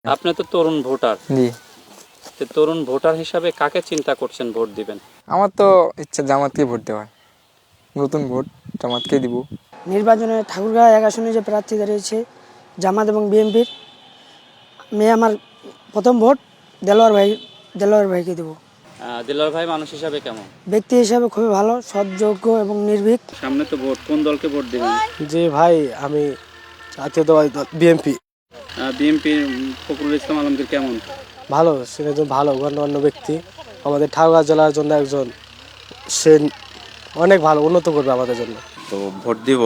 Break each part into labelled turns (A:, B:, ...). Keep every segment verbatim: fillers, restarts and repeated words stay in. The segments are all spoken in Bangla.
A: আপনি তো তরুণ ভোটার,
B: জি।
A: তো তরুণ ভোটার হিসাবে কাকে চিন্তা করছেন ভোট দিবেন?
B: আমার তো ইচ্ছা জামাতকে ভোট দেওয়া, নতুন ভোট জামাতকে দিব।
C: নির্বাচনে ঠাকুরগাঁও এক আসনে যে প্রার্থী দাঁড়িয়েছে জামাত এবং বিএনপির, মেয়ে আমার প্রথম ভোট দেলোয়ার ভাই দেলোয়ার ভাইকে দেবো।
A: আহ, দিলওয়ার ভাই মানুষ হিসাবে কেমন?
C: ব্যক্তি হিসাবে খুবই ভালো, সৎযোগ্য এবং নির্ভীক।
A: সামনে তো ভোট, কোন দলকে ভোট দিবেন?
D: যে ভাই আমি জাতীয়তাবাদী দল বিএনপি।
A: বিএনপির ফখরুল ইসলাম আলমগীর কেমন?
D: ভালো, সে একজন ভালো গণ্যমান্য ব্যক্তি, আমাদের ঠাকুরগাঁও জেলার জন্য একজন, সে অনেক ভালো উন্নত করবে আমাদের জন্য।
E: তো ভোট দিব,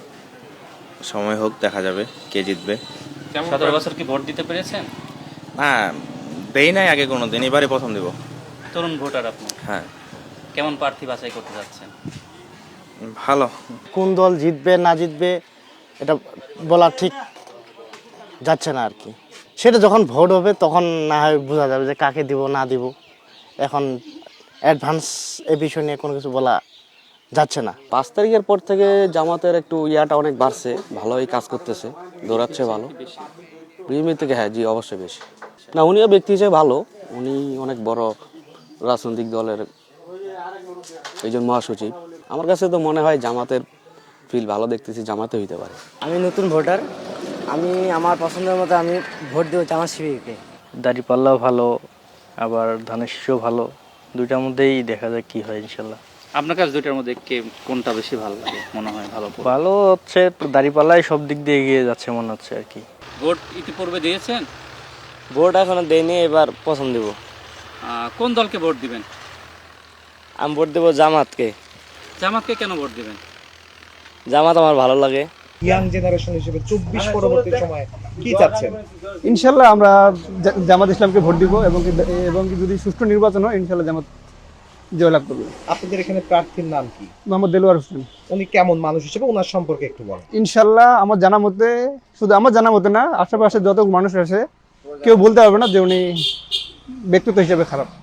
E: সময় হোক দেখা যাবে কে জিতবে।
A: সতেরো বছর কি ভোট দিতে পেরেছেন?
E: না, দেই নাই আগে কোনো দিন, এবারে প্রথম দিব।
A: তরুণ ভোটার আপনি,
E: হ্যাঁ,
A: কেমন প্রার্থী বাছাই করতে যাচ্ছেন?
E: ভালো।
D: কোন দল জিতবে না জিতবে এটা বলা ঠিক যাচ্ছে না আর কি। সেটা যখন ভোট হবে তখন না হয় বোঝা যাবে যে কাকে দিব না দিব। এখন অ্যাডভান্স এ বিষয় নিয়ে কোনো কিছু বলা যাচ্ছে না।
F: পাঁচ তারিখের পর থেকে জামাতের একটু ইয়াটা অনেক বাড়ছে, ভালোই কাজ করতেছে, দৌড়াচ্ছে ভালো। বিএনপি থেকে হ্যাঁ, জি অবশ্যই বেশি। না, উনিও ব্যক্তি হিসেবে ভালো, উনি অনেক বড় রাজনৈতিক দলের একজন মহাসচিব। আমার কাছে তো মনে হয় জামাতের ফিল ভালো দেখতেছি, জামাতে হইতে পারে।
C: আমি নতুন ভোটার, আমি আমার পছন্দের মতো আমি ভোট দেবো জামাত শিবিরকে।
G: দাঁড়িপাল্লাও ভালো, আবার ধানের শীষও ভালো, দুইটার মধ্যেই দেখা যায় কি হয় ইনশাল্লাহ।
A: আপনার কাছে দুইটার মধ্যে কে কোনটা বেশি ভালো লাগে মনে হয়? ভালো ভোট।
G: ভালো হচ্ছে দাঁড়িপাল্লাই সব দিক দিয়ে এগিয়ে যাচ্ছে মনে হচ্ছে আর কি।
A: ভোট ইতিপূর্বে দিয়েছেন?
F: ভোট এখনো দেয়নি, এবার পছন্দ দেবো।
A: আহ, কোন দলকে ভোট দিবেন?
F: আমি ভোট দেবো জামাতকে।
A: জামাতকে কেন ভোট দিবেন?
F: জামাত আমার ভালো লাগে।
H: ইয়াং জেনারেশন হিসেবে চব্বিশ পরবর্তী সময়ে কি চাচ্ছেন?
I: ইনশাল্লাহ আমরা জা- জামাত ইসলামকে ভোট দিব এবং কি এবং কি যদি সুষ্ঠু নির্বাচন হয় ইনশাল্লাহ জামাত জয়লাভ করবে।
H: আপনাদের এখানে প্রার্থীর নাম কি?
I: মোহাম্মদ দেলোয়ার হোসেন।
H: উনি কেমন মানুষ হিসেবে, ওনার সম্পর্কে একটু বলেন।
I: ইনশাল্লাহ আমার জানা মতে, শুধু আমার জানা মতে না, আশেপাশে যত মানুষ আছে কেউ বলতে পারবে না যে উনি ব্যক্তিত্ব হিসেবে খারাপ।